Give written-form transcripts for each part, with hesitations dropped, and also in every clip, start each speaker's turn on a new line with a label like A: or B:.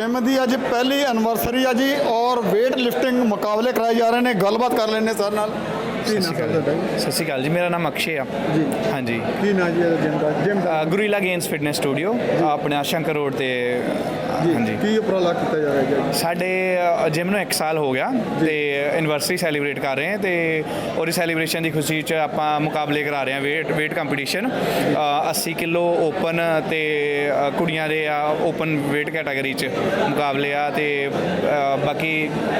A: Gym की अज पहली anniversary है जी और वेट लिफ्टिंग मुकाबले कराए जा रहे हैं। गलबात कर लेने सर नाल।
B: सत श्री अकाल जी, मेरा नाम अक्षय आ
A: जी।
B: हाँ जी,
A: की ना जी जिम का
B: गुरीला गेम्स फिटनेस स्टूडियो अपने शंकर रोड ते। हाँ जी,
A: की उपराला किया जा रहा है?
B: साढ़े जिम ਨੂੰ 1 ਸਾਲ ਹੋ ਗਿਆ ਤੇ ਐਨਵਰਸਰੀ ਸੈਲੀਬ੍ਰੇਟ ਕਰ ਰਹੇ ਹਾਂ ਤੇ ਉਹਦੀ ਸੈਲੀਬ੍ਰੇਸ਼ਨ ਦੀ ਖੁਸ਼ੀ 'ਚ ਆਪਾਂ ਮੁਕਾਬਲੇ ਕਰਾ ਰਹੇ ਹਾਂ। ਵੇਟ ਕੰਪੀਟੀਸ਼ਨ 80 ਕਿਲੋ ਓਪਨ ਤੇ ਕੁੜੀਆਂ ਦੇ ਆ ਓਪਨ ਵੇਟ ਕੈਟਾਗਰੀ 'ਚ ਮੁਕਾਬਲੇ ਆ ਤੇ ਬਾਕੀ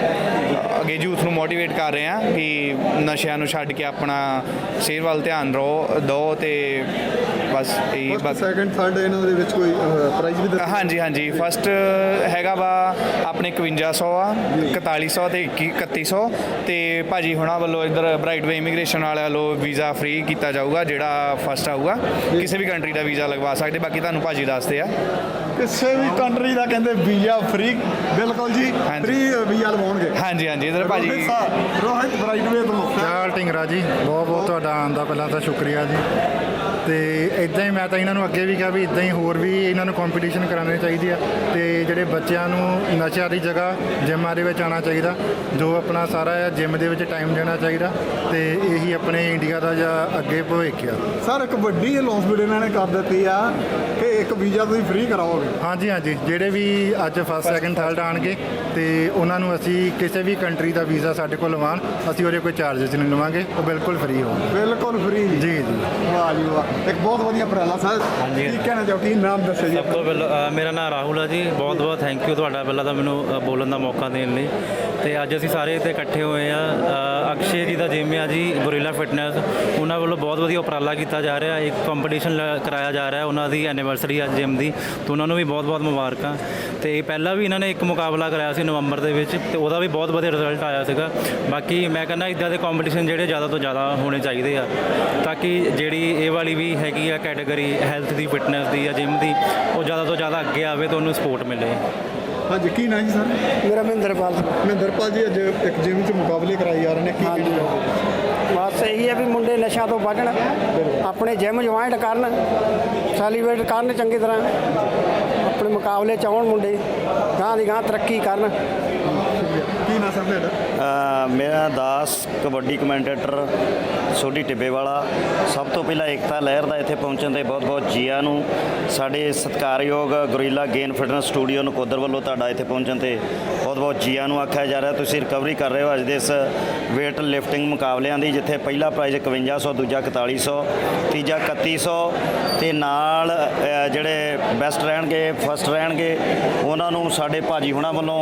B: ਅੱਗੇ ਯੂਥ ਨੂੰ ਮੋਟੀਵੇਟ ਕਰ ਰਹੇ ਹਾਂ ਕਿ ਨਸ਼ਿਆਂ ਨੂੰ ਛੱਡ ਕੇ ਆਪਣਾ ਸਿਹਤ ਵੱਲ ਧਿਆਨ ਦਿਓ ਤੇ ਬਸ ਇਹੀ ਬਸ।
A: ਸੈਕੰਡ ਥਰਡ ਇਹਨਾਂ ਦੇ ਵਿੱਚ ਕੋਈ ਪ੍ਰਾਈਜ਼ ਵੀ ਦਿੱਤਾ?
B: ਹਾਂਜੀ ਹਾਂਜੀ, ਫਸਟ ਹੈਗਾ ਵਾ ਆਪਣੇ 5100 ਆ, 4100 ਤੇ 3100 ਤੇ ਭਾਜੀ ਹੁਣਾਂ ਵੱਲੋਂ ਇੱਧਰ ਬ੍ਰਾਈਟ ਵੇ ਇਮੀਗ੍ਰੇਸ਼ਨ ਵਾਲਿਆਂ ਵੱਲੋਂ ਵੀਜ਼ਾ ਫ੍ਰੀ ਕੀਤਾ ਜਾਊਗਾ। ਜਿਹੜਾ ਫਸਟ ਆਊਗਾ ਕਿਸੇ ਵੀ ਕੰਟਰੀ ਦਾ ਵੀਜ਼ਾ ਲਗਵਾ ਸਕਦੇ। ਬਾਕੀ ਤੁਹਾਨੂੰ ਭਾਜੀ ਦੱਸਦੇ ਆ
A: ਕਿਸੇ ਵੀ ਕੰਟਰੀ ਦਾ ਕਹਿੰਦੇ ਵੀਜ਼ਾ ਫ੍ਰੀ। ਬਿਲਕੁਲ ਜੀ, ਫ੍ਰੀ ਵੀਜ਼ਾ ਲਵਾਉਣਗੇ।
B: ਹਾਂਜੀ ਹਾਂਜੀ, ਇੱਧਰ ਭਾਜੀ
A: ਰੋਹਿਤ ਬ੍ਰਾਈਟ ਵੇ ਤੋਂ
C: ਚਾਲ ਢਿੰਗਰਾ ਜੀ, ਬਹੁਤ ਬਹੁਤ ਤੁਹਾਡਾ ਆਉਣ ਦਾ ਪਹਿਲਾਂ ਤਾਂ ਸ਼ੁਕਰੀਆ ਜੀ। ਤੇ ਇੱਦਾਂ ਹੀ ਮੈਂ ਤਾਂ ਇਹਨਾਂ ਨੂੰ ਅੱਗੇ ਵੀ ਕਿਹਾ ਵੀ ਇੱਦਾਂ ਹੀ ਹੋਰ ਵੀ ਇਹਨਾਂ ਨੂੰ ਕੰਪੀਟੀਸ਼ਨ ਕਰਾਉਣੇ ਚਾਹੀਦੀ ਆ ਤੇ ਜਿਹੜੇ ਬੱਚਿਆਂ ਨੂੰ ਨਸ਼ਿਆਂ ਦੀ ਜਗ੍ਹਾ ਜਿੰਮਾਂ ਦੇ ਵਿੱਚ ਆਉਣਾ ਚਾਹੀਦਾ, ਜੋ ਆਪਣਾ ਸਾਰਾ ਜਿੰਮ ਦੇ ਵਿੱਚ ਟਾਈਮ ਦੇਣਾ ਚਾਹੀਦਾ ਤੇ ਇਹੀ ਆਪਣੇ ਇੰਡੀਆ ਦਾ ਜਾਂ ਅੱਗੇ ਭਵਿੱਖ ਆ।
A: ਸਰ ਇੱਕ ਵੱਡੀ ਅਨਾਉਂਸਮੈਂਟ ਇਹਨਾਂ ਨੇ ਕਰ ਦਿੱਤੀ ਆ ਕਿ ਇੱਕ ਵੀਜ਼ਾ ਤੁਸੀਂ ਫ੍ਰੀ ਕਰਾਓਗੇ।
C: ਹਾਂਜੀ ਹਾਂਜੀ, ਜਿਹੜੇ ਵੀ ਅੱਜ ਫਸਟ ਸੈਕਿੰਡ ਥਰਡ ਆਉਣਗੇ ਤੇ ਉਹਨਾਂ ਨੂੰ ਅਸੀਂ ਕਿਸੇ ਵੀ ਕੰਟਰੀ ਦਾ ਵੀਜ਼ਾ ਸਾਡੇ ਕੋਲ ਲਵਾਉਣ, ਅਸੀਂ ਉਹਦੇ ਕੋਈ ਚਾਰਜਸ ਨਹੀਂ ਲਵਾਂਗੇ, ਉਹ ਬਿਲਕੁਲ ਫ੍ਰੀ ਹੋਣਗੇ।
A: ਬਿਲਕੁਲ ਫ੍ਰੀ ਜੀ
C: ਜੀ।
A: ਵਾਹ ਜੀ ਵਾਹ, ਇੱਕ ਬਹੁਤ ਵਧੀਆ ਉਪਰਾਲਾ ਸਰ।
D: ਹਾਂਜੀ।
A: ਕੀ ਕਹਿਣਾ ਚਾਹੋ, ਕੀ ਨਾਮ ਦੱਸੋ ਜੀ?
D: ਸਭ ਤੋਂ ਪਹਿਲਾਂ ਮੇਰਾ ਨਾਮ ਰਾਹੁਲ ਆ ਜੀ। ਬਹੁਤ ਬਹੁਤ ਥੈਂਕ ਯੂ ਤੁਹਾਡਾ ਪਹਿਲਾਂ ਤਾਂ ਮੈਨੂੰ ਬੋਲਣ ਦਾ ਮੌਕਾ ਦੇਣ ਲਈ। ਤੇ ਅੱਜ ਅਸੀਂ ਸਾਰੇ ਇੱਥੇ ਇਕੱਠੇ ਹੋਏ ਆ। ਅਕਸ਼ੇ ਜੀ ਦਾ ਜਿਮ ਆ ਜੀ, ਗੁਰੀਲਾ ਫਿਟਨੈਸ, ਉਹਨਾਂ ਵੱਲੋਂ ਬਹੁਤ ਵਧੀਆ ਉਪਰਾਲਾ ਕੀਤਾ ਜਾ ਰਿਹਾ। ਇੱਕ ਕੰਪੀਟੀਸ਼ਨ ਕਰਾਇਆ ਜਾ ਰਿਹਾ, ਉਹਨਾਂ ਦੀ ਐਨੀਵਰਸਰੀ ਅੱਜ ਜਿਮ ਦੀ, ਤਾਂ ਉਹਨਾਂ ਨੂੰ ਵੀ ਬਹੁਤ ਬਹੁਤ ਮੁਬਾਰਕਾਂ। ਤੇ ਪਹਿਲਾਂ ਵੀ ਇਹਨਾਂ ਨੇ ਇੱਕ ਮੁਕਾਬਲਾ ਕਰਾਇਆ ਸੀ ਨਵੰਬਰ ਦੇ ਵਿੱਚ ਤੇ ਉਹਦਾ ਵੀ ਬਹੁਤ ਵਧੀਆ ਰਿਜ਼ਲਟ ਆਇਆ ਸੀਗਾ। ਬਾਕੀ ਮੈਂ ਕਹਿੰਦਾ ਇੱਦਾਂ ਦੇ ਕੰਪੀਟੀਸ਼ਨ ਜਿਹੜੇ ਜ਼ਿਆਦਾ ਤੋਂ ਜ਼ਿਆਦਾ ਹੋਣੇ ਚਾਹੀਦੇ ਆ ਤਾਂ ਕਿ ਜਿਹੜੀ ਇਹ ਵਾਲੀ ਵੀ ਹੈਗੀ ਆ ਕੈਟਾਗਰੀ ਹੈਲਥ ਦੀ, ਫਿਟਨੈਸ ਦੀ ਜਾਂ ਜਿਮ ਦੀ, ਉਹ ਜ਼ਿਆਦਾ ਤੋਂ ਜ਼ਿਆਦਾ ਅੱਗੇ ਆਵੇ ਤਾਂ ਉਹਨੂੰ ਸਪੋਰਟ ਮਿਲੇ।
A: ਹਾਂਜੀ, ਕੀ ਨਾਮ ਜੀ ਸਰ?
E: ਮੇਰਾ ਮਹਿੰਦਰਪਾਲ
A: ਜੀ, ਅੱਜ ਇੱਕ ਜਿਮ 'ਚ ਮੁਕਾਬਲੇ ਕਰਾਏ ਜਾ ਰਹੇ ਨੇ, ਕੀ ਕਹਿਣਾ ਚਾਹੋਗੇ?
E: ਬਸ ਇਹੀ ਹੈ ਵੀ ਮੁੰਡੇ ਨਸ਼ਿਆਂ ਤੋਂ ਬਚਣ, ਆਪਣੇ ਜਿਮ ਜੁਆਇੰਟ ਕਰਨ, ਸੈਲੀਬ੍ਰੇਟ ਕਰਨ ਚੰਗੀ ਤਰ੍ਹਾਂ, ਆਪਣੇ ਮੁਕਾਬਲੇ 'ਚ ਆਉਣ ਮੁੰਡੇ, ਗਾਂ ਦੀ ਗਾਂ ਤਰੱਕੀ ਕਰਨ।
A: ਕੀ ਨਾਮ ਸਰ ਤੁਹਾਡਾ?
F: ਮੇਰਾ ਦਾਸ, ਕਬੱਡੀ ਕਮੈਂਟੇਟਰ, ਸੋਢੀ ਟਿੱਬੇ ਵਾਲਾ। ਸਭ ਤੋਂ ਪਹਿਲਾਂ ਏਕਤਾ ਲਹਿਰ ਦਾ ਇੱਥੇ ਪਹੁੰਚਣ ਤੇ ਬਹੁਤ ਬਹੁਤ ਜੀਆਂ ਨੂੰ। ਸਾਡੇ ਸਤਿਕਾਰਯੋਗ Gorilla Gain Fitness Studio Nakodar ਵੱਲੋਂ ਤੁਹਾਡਾ ਇੱਥੇ ਪਹੁੰਚਣ ਤੇ ਬਹੁਤ ਬਹੁਤ ਜੀਆਂ ਨੂੰ ਆਖਿਆ ਜਾ ਰਿਹਾ। ਤੁਸੀਂ ਰਿਕਵਰੀ ਕਰ ਰਹੇ ਹੋ ਅੱਜ ਦੇ ਇਸ ਵੇਟ ਲਿਫਟਿੰਗ ਮੁਕਾਬਲਿਆਂ ਦੀ, ਜਿੱਥੇ ਪਹਿਲਾ ਪ੍ਰਾਈਜ਼ 5100, ਦੂਜਾ 4100, ਤੀਜਾ 3100 ਤੇ ਨਾਲ ਜਿਹੜੇ ਬੈਸਟ ਰਹਿਣਗੇ, ਫਸਟ ਰਹਿਣਗੇ, ਉਹਨਾਂ ਨੂੰ ਸਾਡੇ ਭਾਜੀ ਹੁਣਾਂ ਵੱਲੋਂ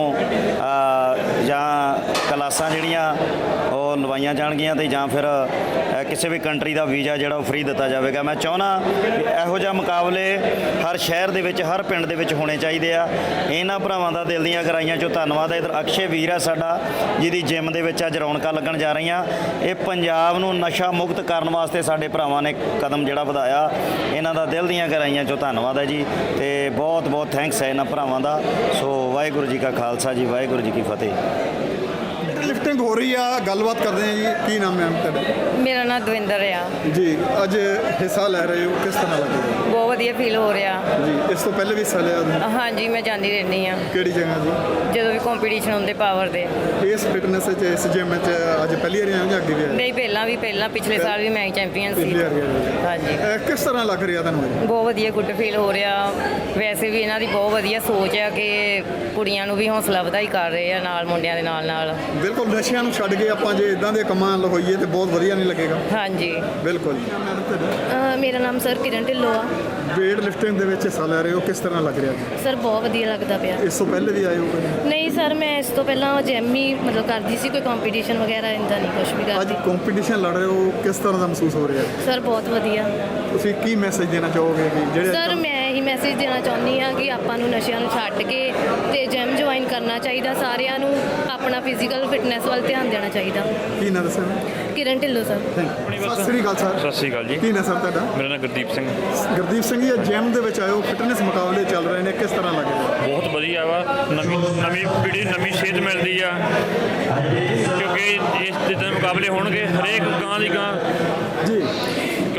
F: ਜਾਂ ਕਲਾਸਾਂ ਜਿਹੜੀਆਂ ਉਹ ਲਵਾਈਆਂ ਜਾਣਗੀਆਂ ਤੇ ਜਾਂ ਫਿਰ ਕਿਸੇ ਵੀ ਕੰਟਰੀ ਦਾ ਵੀਜ਼ਾ ਜਿਹੜਾ ਉਹ ਫ੍ਰੀ ਦਿੱਤਾ ਜਾਵੇਗਾ। ਮੈਂ ਚਾਹੁੰਦਾ ਇਹੋ ਜਿਹਾ ਮੁਕਾਬਲੇ ਹਰ ਸ਼ਹਿਰ ਦੇ ਵਿੱਚ, ਹਰ ਪਿੰਡ ਦੇ ਵਿੱਚ ਹੋਣੇ ਚਾਹੀਦੇ ਆ। ਇਹਨਾਂ ਭਰਾਵਾਂ ਦਾ ਦਿਲ ਦੀਆਂ ਗਹਿਰਾਈਆਂ 'ਚੋਂ ਧੰਨਵਾਦ ਹੈ। ਇੱਧਰ ਅਕਸ਼ੇ ਵੀਰ ਆ ਸਾਡਾ, ਜਿਹਦੀ ਜਿਮ ਦੇ ਵਿੱਚ ਅੱਜ ਰੌਣਕਾਂ ਲੱਗਣ ਜਾ ਰਹੀਆਂ। ਇਹ ਪੰਜਾਬ ਨੂੰ ਨਸ਼ਾ ਮੁਕਤ ਕਰਨ ਵਾਸਤੇ ਸਾਡੇ ਭਰਾਵਾਂ ਨੇ ਕਦਮ ਜਿਹੜਾ ਵਧਾਇਆ, ਇਹਨਾਂ ਦਾ ਦਿਲ ਦੀਆਂ ਗਹਿਰਾਈਆਂ 'ਚੋਂ ਧੰਨਵਾਦ ਹੈ ਜੀ ਤੇ ਬਹੁਤ ਬਹੁਤ ਥੈਂਕਸ ਹੈ ਇਹਨਾਂ ਭਰਾਵਾਂ ਦਾ। ਸੋ ਵਾਹਿਗੁਰੂ ਜੀ ਕਾ ਖਾਲਸਾ ਜੀ, ਵਾਹਿਗੁਰੂ ਜੀ ਕੀ ਫਤਿਹ।
A: ਲਿਫਟਿੰਗ ਹੋ ਰਹੀ ਆ, ਗੱਲਬਾਤ ਕਰਦੇ ਆ ਜੀ। ਕੀ ਨਾਮ ਹੈ ਤੁਹਾਡਾ?
G: ਮੇਰਾ ਨਾਮ ਦਵਿੰਦਰ ਆ
A: ਜੀ। ਅੱਜ ਹਿੱਸਾ ਲੈ ਰਹੇ ਹੋ, ਕਿਸ ਤਰ੍ਹਾਂ ਲੱਗ ਰਿਹਾ?
G: ਬਹੁਤ ਵਧੀਆ ਫੀਲ ਹੋ ਰਿਹਾ
A: ਜੀ। ਇਸ ਤੋਂ ਪਹਿਲੇ ਵੀ ਹਿੱਸਾ ਲਿਆ ਤੁਸੀਂ?
G: ਹਾਂਜੀ, ਮੈਂ ਜਾਂਦੀ ਰਹਿੰਦੀ ਆ
A: ਕਿਹੜੀ ਜਗ੍ਹਾ ਜੀ?
G: ਜਦੋਂ ਵੀ ਕੰਪੀਟੀਸ਼ਨ ਹੁੰਦੇ ਪਾਵਰ ਦੇ।
A: ਇਸ ਫਿਟਨੈਸ 'ਚ, ਇਸ ਜਿਮ 'ਚ ਅੱਜ ਪਹਿਲੀ ਵਾਰ ਆਏ ਹੋ ਜਾਂ ਅੱਗੇ ਵੀ ਆਏ?
G: ਨਹੀਂ, ਪਹਿਲਾਂ ਪਿਛਲੇ ਸਾਲ ਵੀ ਮੈਂ ਚੈਂਪੀਅਨ ਸੀ।
A: ਪਹਿਲੀ ਵਾਰ ਆਏ ਹੋ।
G: ਹਾਂਜੀ।
A: ਕਿਸ ਤਰ੍ਹਾਂ ਲੱਗ ਰਿਹਾ ਤੁਹਾਨੂੰ ਅੱਜ?
G: ਬਹੁਤ ਵਧੀਆ, ਗੁੱਡ ਫੀਲ ਹੋ ਰਿਹਾ। ਵੈਸੇ ਵੀ ਇਹਨਾਂ ਦੀ ਬਹੁਤ ਵਧੀਆ ਸੋਚ ਆ ਕਿ ਕੁੜੀਆਂ ਨੂੰ ਵੀ ਹੌਸਲਾ ਵਧਾਈ ਕਰ ਰਹੇ ਆ ਨਾਲ ਮੁੰਡਿਆਂ ਦੇ ਨਾਲ।
A: ਬਿਲਕੁਲ, ਨਸ਼ਿਆਂ ਨੂੰ ਛੱਡ ਕੇ ਆਪਾਂ ਜੇ ਇਦਾਂ ਦੇ ਕੰਮਾਂ ਨਾਲ ਹੋਈਏ ਤੇ ਬਹੁਤ ਵਧੀਆ ਨਹੀਂ ਲੱਗੇਗਾ।
G: ਹਾਂਜੀ,
A: ਬਿਲਕੁਲ।
H: ਮੇਰਾ ਨਾਮ ਸਰ ਕਿਰਨ ਢਿੱਲੋਂ ਆ।
A: ਵੇਟ ਲਿਫਟਿੰਗ ਦੇ ਵਿੱਚ ਹਿੱਸਾ ਲੈ ਰਹੇ ਹੋ, ਕਿਸ ਤਰ੍ਹਾਂ ਲੱਗ ਰਿਹਾ ਜੀ?
H: ਸਰ ਬਹੁਤ ਵਧੀਆ ਲੱਗਦਾ ਪਿਆ।
A: ਇਸ ਤੋਂ ਪਹਿਲੇ ਵੀ ਆਏ ਹੋ ਕਦੇ?
H: ਨਹੀਂ ਸਰ, ਮੈਂ ਇਸ ਤੋਂ ਪਹਿਲਾਂ ਜਿਮ ਹੀ ਮਤਲਬ ਕਰਦੀ ਸੀ, ਕੋਈ ਕੰਪੀਟੀਸ਼ਨ ਵਗੈਰਾ ਇੰਦਾ ਨਹੀਂ ਕੁਝ ਵੀ
A: ਅੱਜ
H: ਕਰਦੀ।
A: ਕੰਪੀਟੀਸ਼ਨ ਲੜ ਰਹੇ ਹੋ, ਕਿਸ ਤਰ੍ਹਾਂ ਦਾ ਮਹਿਸੂਸ ਹੋ ਰਿਹਾ?
H: ਸਰ ਬਹੁਤ ਵਧੀਆ।
A: ਤੁਸੀਂ ਕੀ ਮੈਸੇਜ ਦੇਣਾ ਚਾਹੋਗੇ ਕਿ ਜਿਹੜੇ
H: ਸਰ ਮੈਂ ਇਹੀ ਮੈਸੇਜ ਦੇਣਾ ਚਾਹੁੰਦੀ ਹਾਂ ਕਿ ਆਪਾਂ ਨੂੰ ਨਸ਼ਿਆਂ ਨੂੰ ਛੱਡ ਕੇ ਤੇ ਜਿਮ ਜੁਆਇਨ ਕਰਨਾ ਚਾਹੀਦਾ। ਸਾਰਿਆਂ ਨੂੰ ਆਪਣਾ ਫਿਜ਼ੀਕਲ ਫਿਟਨੈਸ ਵੱਲ ਧਿਆਨ ਦੇਣਾ ਚਾਹੀਦਾ।
A: ਕੀ ਨਾਮ ਦੱਸਿਆ?
H: ਕਿਰਨ ਢਿੱਲੋਂ ਸਰ।
A: ਸਤਿ ਸ੍ਰੀ ਅਕਾਲ ਸਰ।
I: ਸਤਿ ਸ਼੍ਰੀ ਅਕਾਲ ਜੀ।
A: ਕੀ ਨਾਮ ਸਰ ਤੁਹਾਡਾ?
I: ਮੇਰਾ ਨਾਮ ਗੁਰਦੀਪ ਸਿੰਘ।
A: ਗੁਰਦੀਪ ਸਿੰਘ ਜੀ, ਜਿਮ ਦੇ ਵਿੱਚ ਆਏ ਹੋ, ਫਿਟਨੈਸ ਮੁਕਾਬਲੇ ਚੱਲ ਰਹੇ ਨੇ, ਕਿਸ ਤਰ੍ਹਾਂ ਲੱਗ ਰਿਹਾ?
I: ਬਹੁਤ ਵਧੀਆ ਵਾ। ਨਵੀਂ ਪੀੜ੍ਹੀ ਨੂੰ ਨਵੀਂ ਸੇਧ ਮਿਲਦੀ ਆ, ਕਿਉਂਕਿ ਇਸ ਜਿੱਦਾਂ ਮੁਕਾਬਲੇ ਹੋਣਗੇ ਹਰੇਕ ਗਾਂ ਦੀ ਗਾਂ
A: ਜੀ।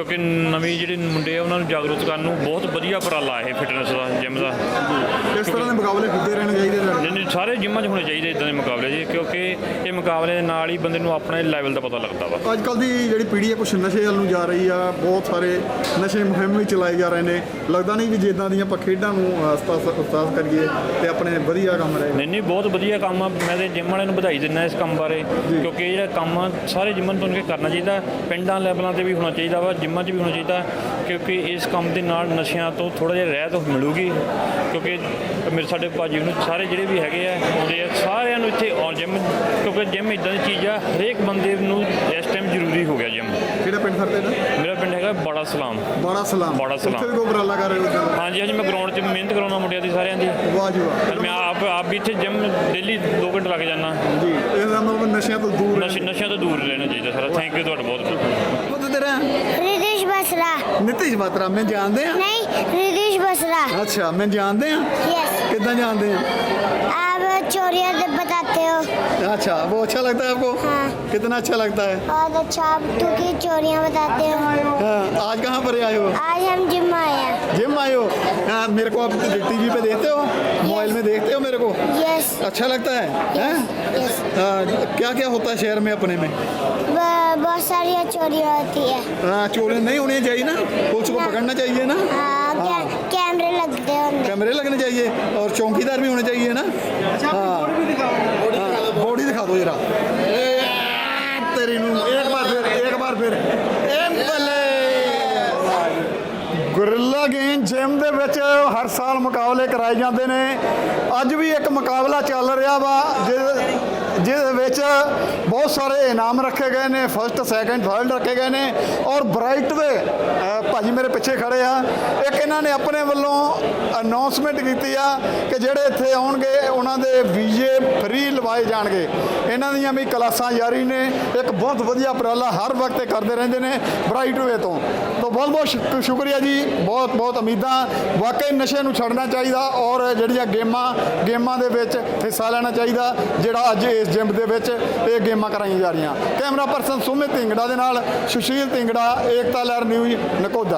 I: ਕਿਉਂਕਿ ਨਵੀਂ ਜਿਹੜੇ ਮੁੰਡੇ ਆ ਉਹਨਾਂ ਨੂੰ ਜਾਗਰੂਕ ਕਰਨ ਨੂੰ ਬਹੁਤ ਵਧੀਆ ਉਪਰਾਲਾ ਇਹ ਫਿਟਨੈਸ ਦਾ ਜਿਮ ਦਾ।
A: ਇਸ ਤਰ੍ਹਾਂ ਦੇ ਮੁਕਾਬਲੇ ਹੁੰਦੇ ਰਹਿਣੇ ਚਾਹੀਦੇ ਤੁਹਾਡੇ?
I: ਨਹੀਂ ਸਾਰੇ ਜਿੰਮਾਂ 'ਚ ਹੋਣੇ ਚਾਹੀਦੇ ਇਦਾਂ ਦੇ ਮੁਕਾਬਲੇ ਜੀ, ਕਿਉਂਕਿ ਇਹ ਮੁਕਾਬਲੇ ਦੇ ਨਾਲ ਹੀ ਬੰਦੇ ਨੂੰ ਆਪਣੇ ਲੈਵਲ ਦਾ ਪਤਾ ਲੱਗਦਾ ਵਾ।
A: ਅੱਜ ਕੱਲ੍ਹ ਦੀ ਜਿਹੜੀ ਪੀੜ੍ਹੀ ਹੈ ਕੁਛ ਨਸ਼ੇ ਵੱਲ ਨੂੰ ਜਾ ਰਹੀ ਆ, ਬਹੁਤ ਸਾਰੇ ਨਸ਼ੇ ਮੁਹਿੰਮ ਵੀ ਚਲਾਏ ਜਾ ਰਹੇ ਨੇ। ਲੱਗਦਾ ਨਹੀਂ ਕਿ ਜਿੱਦਾਂ ਦੀਆਂ ਆਪਾਂ ਖੇਡਾਂ ਨੂੰ ਉਸਤਾਦ ਕਰੀਏ ਤੇ ਆਪਣੇ ਵਧੀਆ ਕੰਮ ਰਹੇ।
I: ਨਹੀਂ ਬਹੁਤ ਵਧੀਆ ਕੰਮ ਆ। ਮੈਂ ਤੇ ਜਿਮ ਵਾਲਿਆਂ ਨੂੰ ਵਧਾਈ ਦਿੰਦਾ ਇਸ ਕੰਮ ਬਾਰੇ, ਕਿਉਂਕਿ ਇਹ ਜਿਹੜਾ ਕੰਮ ਆ ਸਾਰੇ ਜਿੰਮਾਂ ਨੂੰ ਤੁਹਾਨੂੰ ਕਰਨਾ ਚਾਹੀਦਾ, ਪਿੰਡਾਂ ਲੈਵਲਾਂ ਤੇ ਵੀ ਹੋਣਾ ਚਾਹੀਦਾ ਵਾ, ਜਿੰਮਾਂ 'ਚ ਵੀ ਹੋਣਾ ਚਾਹੀਦਾ, ਕਿਉਂਕਿ ਇਸ ਕੰਮ ਦੇ ਨਾਲ ਨਸ਼ਿਆਂ ਤੋਂ ਥੋੜ੍ਹਾ ਜਿਹਾ ਰਹਿਤ ਮਿਲੂਗੀ। ਕਿਉਂਕਿ ਮੇਰੇ ਸਾਡੇ ਭਾਜੀ ਨੂੰ ਸਾਰੇ ਜਿਹੜੇ ਵੀ ਹੈਗੇ ਆ ਆਉਂਦੇ ਆ ਸਾਰਿਆਂ ਨੂੰ ਇੱਥੇ ਜਿਮ, ਕਿਉਂਕਿ ਜਿਮ ਇੱਦਾਂ ਦੀ ਚੀਜ਼ ਆ ਹਰੇਕ ਬੰਦੇ ਨੂੰ ਇਸ ਟਾਈਮ ਜ਼ਰੂਰੀ ਹੋ ਗਿਆ ਜਿਮ।
A: ਕਿਹੜਾ ਪਿੰਡ ਫਿਰਦੇ ਨੇ?
I: ਮੇਰਾ ਪਿੰਡ ਹੈਗਾ ਬਾੜਾ ਸਲਾਮ।
A: ਬਾੜਾ ਸਲਾਮ।
I: ਬਾੜਾ ਸਲਾਮ।
A: ਉੱਥੇ ਵੀ ਕੋਈ ਉਪਰਾਲਾ ਕਰ ਰਹੇ ਹੋ?
I: ਹਾਂਜੀ ਹਾਂਜੀ, ਮੈਂ ਗਰਾਊਂਡ 'ਚ ਮਿਹਨਤ ਕਰਾਉਣਾ ਮੁੰਡਿਆਂ ਦੀ ਸਾਰਿਆਂ ਦੀ।
A: ਵਾਹ ਜੀ ਵਾਹ।
I: ਮੈਂ ਆਪ ਵੀ ਇੱਥੇ ਜਿਮ ਡੇਲੀ 2 ਘੰਟੇ ਲੱਗ ਜਾਂਦਾ
A: ਜੀ, ਇਹਦਾ ਮਤਲਬ ਨਸ਼ਿਆਂ ਤੋਂ ਦੂਰ
I: ਨਸ਼ਿਆਂ ਤੋਂ ਦੂਰ ਰਹਿਣਾ ਚਾਹੀਦਾ ਸਾਰਾ। ਥੈਂਕ ਯੂ ਤੁਹਾਡਾ ਬਹੁਤ ਬਹੁਤ।
A: ਉਹ ਤੇਰਾ
J: रितेश बसरा।
A: ਨਿਤਿਸ਼ ਬਾਤਰਾ ਮੈਂ ਜਾਣਦੇ ਆ।
J: नहीं, रितेश बसरा।
A: अच्छा मैं जानते हैं
J: यस।
A: कितना जानते हैं?
J: आप चोरियां बताते हो।
A: अच्छा वो अच्छा लगता है आपको?
J: हाँ।
A: कितना अच्छा लगता है?
J: बहुत अच्छा, आप क्योंकि चोरियां बताते हो।
A: हाँ, आज कहाँ पर आए हो?
J: आज हम जिम आए हैं।
A: जिम आए हो? हाँ, मेरे को आप टीवी पे देखते हो, मोबाइल में देखते हो मेरे को?
J: यस।
A: अच्छा लगता है? हैं?
J: यस।
A: क्या क्या होता है शहर में अपने में?
J: बहुत सारी चोरियां होती है।
A: हाँ, चोरी नहीं होनी चाहिए ना, पुलिस को पकड़ना चाहिए ना।
J: हाँ, कैमरे लगते हैं उनमें।
A: कैमरे लगने चाहिए और चौकीदार भी होने चाहिए ना। हाँ, बॉडी दिखा दो जरा। तेरी नूं एक बार फिर ਗੁਰਿੱਲਾ ਗੇਮ ਜਿਮ ਦੇ ਵਿੱਚ ਹਰ ਸਾਲ ਮੁਕਾਬਲੇ ਕਰਾਏ ਜਾਂਦੇ ਨੇ। ਅੱਜ ਵੀ ਇੱਕ ਮੁਕਾਬਲਾ ਚੱਲ ਰਿਹਾ ਵਾ ਜਿਹਦੇ ਵਿੱਚ ਬਹੁਤ ਸਾਰੇ ਇਨਾਮ ਰੱਖੇ ਗਏ ਨੇ। ਫਸਟ ਸੈਕੰਡ ਥਰਡ ਰੱਖੇ ਗਏ ਨੇ ਔਰ ਬ੍ਰਾਈਟ ਦੇ ਭਾਜੀ ਮੇਰੇ ਪਿੱਛੇ ਖੜੇ ਆ। ਇੱਕ ਇਹਨਾਂ ਨੇ ਆਪਣੇ ਵੱਲੋਂ ਅਨਾਉਂਸਮੈਂਟ ਕੀਤੀ ਆ ਕਿ ਜਿਹੜੇ ਇੱਥੇ ਆਉਣਗੇ ਉਹਨਾਂ ਦੇ ਵੀਜ਼ੇ ਫ੍ਰੀ ਲਵਾਏ ਜਾਣਗੇ। ਇਹਨਾਂ ਦੀਆਂ ਵੀ ਕਲਾਸਾਂ ਜਾਰੀ ਨੇ। ਇੱਕ ਬਹੁਤ ਵਧੀਆ ਉਪਰਾਲਾ ਹਰ ਵਕਤ ਕਰਦੇ ਰਹਿੰਦੇ ਨੇ ਬ੍ਰਾਈਟ ਵੇ ਤੋਂ। ਬਹੁਤ ਬਹੁਤ ਸ਼ੁਕਰੀਆ ਜੀ। ਬਹੁਤ ਬਹੁਤ ਉਮੀਦਾਂ। ਵਾਕਈ ਨਸ਼ੇ ਨੂੰ ਛੱਡਣਾ ਚਾਹੀਦਾ ਔਰ ਜਿਹੜੀਆਂ ਗੇਮਾਂ ਦੇ ਵਿੱਚ ਹਿੱਸਾ ਲੈਣਾ ਚਾਹੀਦਾ, ਜਿਹੜਾ ਅੱਜ ਇਸ ਜਿਮ ਦੇ ਵਿੱਚ ਇਹ ਗੇਮਾਂ ਕਰਾਈਆਂ ਜਾ ਰਹੀਆਂ। ਕੈਮਰਾ ਪਰਸਨ ਸੁਮਿਤ ਢਿੰਗੜਾ ਦੇ ਨਾਲ ਸੁਸ਼ੀਲ ਢਿੰਗੜਾ, ਏਕਤਾ ਲਹਿਰ ਨਿਊਜ਼ ਨਕੋਦਰ।